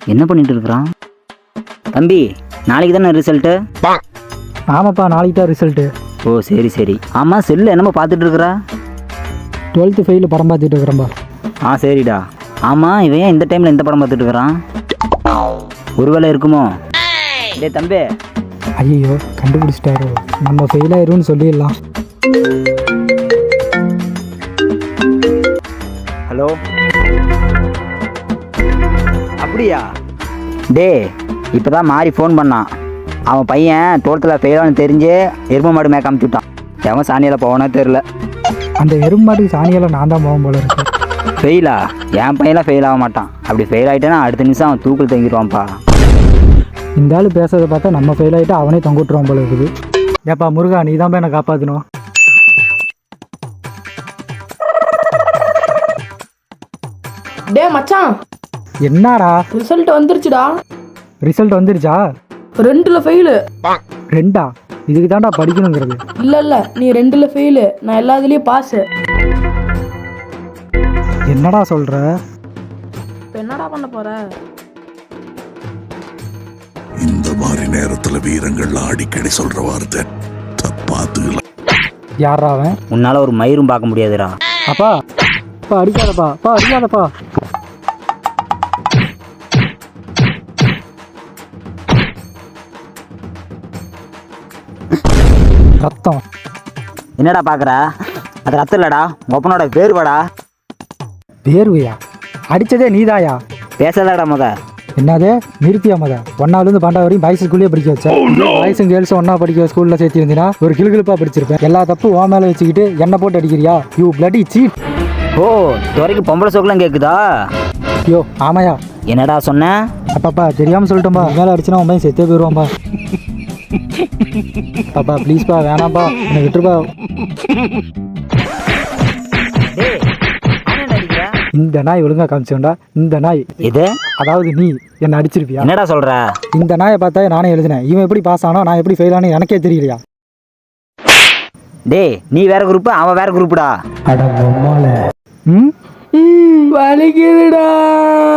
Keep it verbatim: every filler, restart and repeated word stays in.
என்ன பண்ணிட்டு இருக்கிறான் தம்பி? நாளைக்கு தானே ரிசல்ட்டு? ஆமாப்பா, நாளைக்கு தான் ரிசல்ட்டு. ஓ சரி சரி. ஆமாம், செல்லு என்னமோ பார்த்துட்டு இருக்கிறா? டுவெல்த்து ஃபெயிலு படம் பார்த்துட்டு இருக்கிறேன்பா. ஆ சரிடா. ஆமாம், இவன் ஏன் இந்த டைமில் இந்த படம் பார்த்துட்டு இருக்கிறான்? ஒருவேளை இருக்குமோ? டே தம்பி. ஐயோ, கண்டுபிடிச்சிட்டாரு. நம்ம ஃபெயில் ஆயிரும்னு சொல்லிடலாம். ஹலோ. அப்படியா? டே இப்போ தான் மாறி ஃபோன் பண்ணான். அவன் பையன் டுவெல்த்தில் ஃபெயிலானு தெரிஞ்சு எரும மாடு மேய்க்க அமுச்சுட்டான். எவன் சாணியில் போவானோ தெரில. அந்த எருமை மாட்டுக்கு சாணியெல்லாம் நான் தான் போகும் போல இருக்கு. ஃபெயிலா? என் பையன்லாம் ஃபெயில் ஆக மாட்டான். அப்படி ஃபெயில் ஆகிட்டேன்னா அடுத்த நிமிஷம் அவன் தூக்கில் தங்கிடுவான்ப்பா. இந்த ஆள் பேசுறதை பார்த்தா நம்ம ஃபெயில் ஆகிட்டு அவனே தொங்கிட்டுருவான் போல இருக்குது. ஏப்பா முருகா, நீ தான் போய் என்னை காப்பாற்றணும். டே மச்சான், என்னடா? ரிசல்ட் வந்துருச்சுடா. ரிசல்ட் வந்துருச்சா? ரெண்டுல ஃபெயிலு. ரெண்டா? இதுக்கு தான்டா படிக்கணுங்கிறது. இல்ல இல்ல, நீ ரெண்டுல ஃபெயிலு, நான் எல்லாத்துலயும் பாஸ். என்னடா சொல்ற? இப்போ என்னடா பண்ண போற? இந்த மாதிரி நேரத்துல வீரங்கள் அடிக்கடி சொல்ற வார்த்தை தப்பாத்துக்கலாம். யாரா அவன்? உன்னால ஒரு மயிரும் பார்க்க முடியாதுடா. அப்பா அப்பா அடிக்காதப்பா, அப்பா அடிக்காதப்பா. ரத்தம். என்னடா பார்க்குற? அது ரத்தம் இல்லடா, ஒப்பனோட வேர்வாடா. வேர்வையா? அடிச்சதே நீதாயா? பேசலடா முத. என்னது நிறுத்தியா மத? ஒன்னாலேருந்து பன்னெண்டா வரையும் பாய்ஸ் ஸ்கூல்லேயே படிக்க வச்சேன். பாய்ஸும் கேர்ள்ஸும் ஒன்றா படிக்க ஸ்கூலில் சேர்த்திருந்தீங்கன்னா ஒரு கிளுகிழுப்பாக படிச்சிருப்பேன். எல்லா தப்பு உன் மேலே வச்சுக்கிட்டு என்ன போட்டு அடிக்கிறியா? You bloody cheat. ஓ, துறைக்கு பொம்பளை சோக்கெல்லாம் கேட்குதா? யோ ஆமாயா. என்னடா சொன்ன? அப்பாப்பா தெரியாமல் சொல்லிட்டோம்பா. மேலே அடிச்சுனா உன் பையன் செத்தே போயிடுவான்பா. பாப்பா ப்ளீஸ்ப்பா, வேணாம்ப்பா, என்னை விட்டுருப்பா. இந்த நாய் ஒழுங்கா காமிச்சோண்டா. இந்த நாய் இது, அதாவது நீ என்ன அடிச்சிருப்பியா? என்னடா சொல்ற? இந்த நாயை பார்த்தா நானே எழுதினேன். இவன் எப்படி பாஸ் ஆனா, நான் எப்படி ஃபெயில் ஆனு எனக்கே தெரியலையா? டேய், நீ வேற குரூப், அவன் வேற குரூப்டா. அட பொம்மால. ம் வலிக்குதுடா.